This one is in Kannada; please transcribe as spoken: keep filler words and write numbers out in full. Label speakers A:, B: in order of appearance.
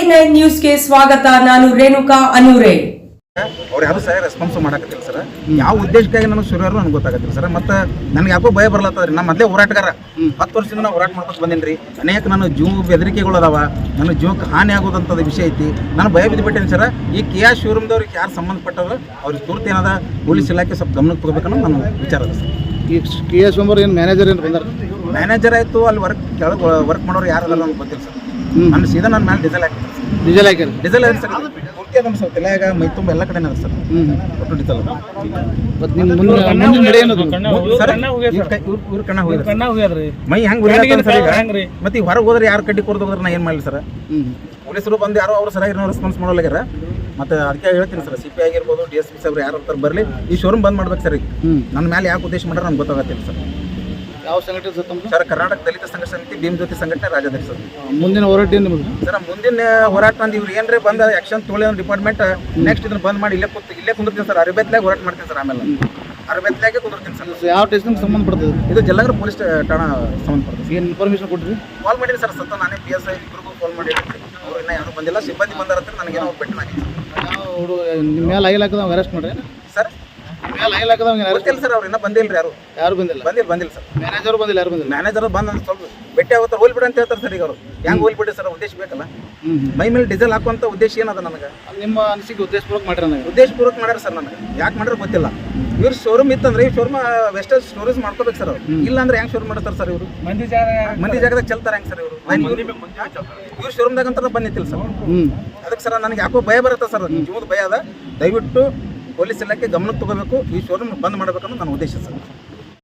A: ನೈನ್ ನ್ಯೂಸ್ಗೆ ಸ್ವಾಗತ. ನಾನು ರೇಣುಕಾ ಅನೂರೆ.
B: ಅವ್ರು ಯಾರು ಸರಿ ರೆಸ್ಪಾನ್ಸ್ ಮಾಡಕತ್ತಿಲ್ಲ ಸರ್. ಯಾವ ಉದ್ದೇಶಕ್ಕಾಗಿ ನನಗೆ ಸುರಿಯೋರು ನನಗೆ ಗೊತ್ತಾಗತ್ತಿಲ್ಲ ಸರ್. ಮತ್ತು ನನಗೆ ಯಾಕೋ ಭಯ ಬರ್ಲತ್ತದ್ರಿ. ನಮ್ಮ ಮೊದಲೇ ಹೋರಾಟಗಾರ ಹತ್ತು ವರ್ಷದಿಂದ ನಾನು ಹೋರಾಟ ಮಾಡ್ಕೊಂಡು ಬಂದೀನಿ ರೀ. ಅನೇಕ ನಾನು ಜೀವ ಬೆದರಿಕೆಗಳು ಅದಾವ, ನನ್ನ ಜೀವಕ್ಕೆ ಹಾನಿ ಆಗೋದಂಥದ್ದು ವಿಷಯ ಐತಿ. ನಾನು ಭಯ ಬಿದ್ದುಬಿಟ್ಟೇನೆ ಸರ್. ಈ ಕೆ ಆ ಶಿವರಾಮ್ದವ್ರಿಗೆ ಯಾರು ಸಂಬಂಧಪಟ್ಟವ್ರು ಅವ್ರಿಗೆ ತುರ್ತು ಏನದ ಪೊಲೀಸ್ ಇಲಾಖೆ ಸ್ವಲ್ಪ ಗಮನಕ್ಕೆ ತಗೋಬೇಕನ್ನೋ ನನ್ನ ವಿಚಾರ ಅದ ಸರ್.
C: ಈ ಕೆ ಎಸ್ ಸೋಮವಾರ ಏನು ಮ್ಯಾನೇಜರ್ ಏನು ಬಂದಾರ?
B: ಮ್ಯಾನೇಜರ್ ಆಯಿತು, ಅಲ್ಲಿ ವರ್ಕ್ ಕೆಳಗೆ ವರ್ಕ್ ಮಾಡೋರು ಯಾರು ಅದಲ್ಲ ನನಗೆ ಗೊತ್ತಿಲ್ಲ ಸರ್. ನನ್ನ ಸೀದಾ ನನ್ನ ಮೇಲೆ ಡೀಸೆಲ್ ಹಾಕಿ
C: ಡೀಸೆಲ್ ಹಾಕ್ಯಾರ
B: ಡೀಸೆಲ್ ಹಾಕಿ ಸರ್. ಪೂರ್ತಿ ಅದನ್ನು ಸರ್ ತಲೆಯಾಗ ಮೈ ತುಂಬ ಎಲ್ಲ ಕಡೆ ಅದ ಸರ್.
C: ಹ್ಞೂ
B: ಒಟ್ಟು ಡೀಸೆಲ್
C: ಮತ್ತು ನಿಮ್ಮ ಮುಂದೆ ಮುಂದಿನ ನಡೆ ಏನದು
B: ಸರ್? ಇವ್ರ ಕಣ್ಣ ಹೋಗಿದ್ರಿ ಮೈ ಹೆಂಗೆ ಉರಿಯಾತ ಸರ್ ಈಗ. ಮತ್ತೆ ಈಗ ಹೊರಗೆ ಹೋದ್ರೆ ಯಾರು ಕಡ್ಡಿ ಕೊಡ್ದು ಹೋದ್ರೆ ನಾ ಏನು ಮಾಡಲಿ ಸರ್? ಪೊಲೀಸರು ಬಂದು ಯಾರೋ ಅವ್ರು ಸರಿಯಾಗಿ ನಾವು ರೆಸ್ಪಾನ್ಸ್ ಮಾಡೋಲ್ಲಾಗ್ಯಾರ. ಮತ್ತು ಅದಕ್ಕೆ ಹೇಳ್ತೀನಿ ಸರ್, ಸಿ ಪಿ ಆಗಿರ್ಬೋದು, ಡಿ ಎಸ್ ಪಿ ಸಾಹೇಬ್ರು ಯಾರು ಅಂತಾರೆ ಬರಲಿ, ಈ ಶೋರೂಮ್ ಬಂದ್ ಮಾಡ್ಬೇಕು ಸರ್. ಈಗ ನನ್ನ ಮೇಲೆ ಯಾಕೆ ಉದ್ದೇಶ ಮಾಡ್ರೆ ನಮ್ಗೆ ಗೊತ್ತಾಗತ್ತಿಲ್ಲ ಸರ್.
C: ಯಾವ ಸಂಘಟನೆ ಸರ್ ತಮ್ಮ?
B: ಸರ್ ಕರ್ನಾಟಕ ದಲಿತ ಸಂಘರ್ಷ ಸಮಿತಿ ಭೀಮ್ ಜ್ಯೋತಿ ಸಂಘಟನೆ ರಾಜ್ಯಾಧ್ಯಕ್ಷ ಸರ್.
C: ಮುಂದಿನ ಹೋರಾಟ ಏನು ನಿಮ್ಮದು
B: ಸರ್? ಮುಂದಿನ ಹೋರಾಟ ಅಂದ್ರೆ ಇವ್ರು ಏನ್ರಿ ಬಂದ ಆಕ್ಷನ್ ತೊಳಿ ಡಿಪಾರ್ಟ್ಮೆಂಟ್ ನೆಕ್ಸ್ಟ್ ಇದನ್ನ ಬಂದ್ ಮಾಡಿ ಇಲ್ಲೇ ಕೂತು ಇಲ್ಲೇ ಕುಂದಿರ್ತೀನಿ ಸರ್. ಅರಬೇತ್ಲಾಗ ಹೋರಾಟ ಮಾಡ್ತೀನಿ ಸರ್. ಆಮೇಲೆ ಅರಬೇತ್ಲಾಗೆ ಕುಂದಿರ್ತೀನಿ ಸರ್.
C: ಯಾವ ಸ್ಟೇಷನ್ಗೆ ಸಂಬಂಧಪಡ್ತದೆ
B: ಇದು ಜಲನಗರ ಪೊಲೀಸ್ ಠಾಣಾ ಸಂಬಂಧಪಡ್ತದೆ.
C: ಏನು ಇನ್ಫಾರ್ಮೇಷನ್ ಕೊಟ್ಟಿರಿ?
B: ಕಾಲ್ ಮಾಡಿದ್ದೀನಿ ಸರ್. ಸತ್ತ ನಾನೇ ಪಿ ಎಸ್ ಐ ಇಬ್ಬರಿಗೂ ಕಾಲ್ ಮಾಡಿದ್ದೀನಿ. ಅವ್ರು ಇನ್ನೂ ಯಾರು ಬಂದಿಲ್ಲ. ಸಿಬ್ಬಂದಿ ಬಂದಾರ ಹತ್ರ ನನಗೇನೋ ಭೇಟಿ ಮಾಡಿ
C: ಯಾವ ಹುಡುಗ ನಿಮ್ಮ ಮೇಲೆ ಐಲ್ ಹಾಕದವ್ ಅರೆಸ್ಟ್ ಮಾಡ್ರಿ
B: ಸರ್.
C: ಮೇಲೆ ಐಲ್ ಹಾಕದವ್ ಅರೆಸ್ಟ್
B: ಗೊತ್ತಿಲ್ಲ ಸರ್. ಅವ್ರು ಇನ್ನೂ ಬಂದಿಲ್ಲ ರೀ. ಯಾರು
C: ಯಾರು ಬಂದಿಲ್ಲ?
B: ಬಂದಿಲ್ಲ ಬಂದಿಲ್ಲ ಸರ್.
C: ಮ್ಯಾನೇಜರ್ ಬಂದಿಲ್ಲ? ಯಾರು ಬಂದಿಲ್ಲ?
B: ಮ್ಯಾನೇಜರ್ ಬಂದು ಅಂದ್ರೆ ಸ್ವಲ್ಪ ಭೇಟಿ ಆಗುತ್ತಾರೆ. ಹೋಲ್ಬಿಡಿ ಅಂತ ಹೇಳ್ತಾರೆ ಸರ್. ಈಗ ಅವರು ಹೆಂಗೆ ಹೋಲ್ಬಿಡಿ ಸರ್? ಉದ್ದೇಶ ಬೇಕಲ್ಲ. ಮೈ ಮೇಲೆ ಡೀಸೆಲ್ ಹಾಕುವಂಥ ಉದ್ದೇಶ ಏನದ ನನಗೆ?
C: ನಿಮ್ಮ ಅನಿಸಿಕೆ ಉದ್ದೇಶಪೂರ್ವಕ ಮಾಡ್ರಿ ನನಗೆ?
B: ಉದ್ದೇಶಪೂರ್ವಕ ಮಾಡ್ಯಾರ ಸರ್. ನನಗೆ ಯಾಕೆ ಮಾಡ್ರೆ ಗೊತ್ತಿಲ್ಲ. ಇವ್ರು ಶೋರೂಮ್ ಇತ್ತಂದ್ರೆ ಈ ಶೋರೂಮ್ ವೆಸ್ಟೇಜ್ ಸ್ಟೋರೇಜ್ ಮಾಡ್ಕೋಬೇಕು ಸರ್. ಅವ್ರು ಇಲ್ಲ ಅಂದ್ರೆ ಹೆಂಗೆ ಶೋರೂಮ್ ಮಾಡ್ತಾರೆ ಸರ್? ಇವರು ಮಂದಿ ಜಾಗ ಮಂದಿ ಜಾಗದಾಗ ಚಲ್ತಾರೆ ಹೆಂಗೆ ಸರ್? ಇವರು ಇವ್ರು ಶೋರೂಮ್ದಾಗ ಅಂತ ಬಂದಿತ್ತಿಲ್ಲ ಸರ್. ಅದಕ್ಕೆ ಸರ್ ನನಗೆ ಯಾಕೋ ಭಯ ಬರುತ್ತೆ ಸರ್. ಜೀವದ ಭಯ ಅದ. ದಯವಿಟ್ಟು ಪೊಲೀಸ್ ಇಲಾಖೆ ಗಮನಕ್ಕೆ ತಗೋಬೇಕು. ಈ ಶೋರೂಮ್ ಬಂದ್ ಮಾಡಬೇಕನ್ನೋ ನನ್ನ ಉದ್ದೇಶ ಸರ್.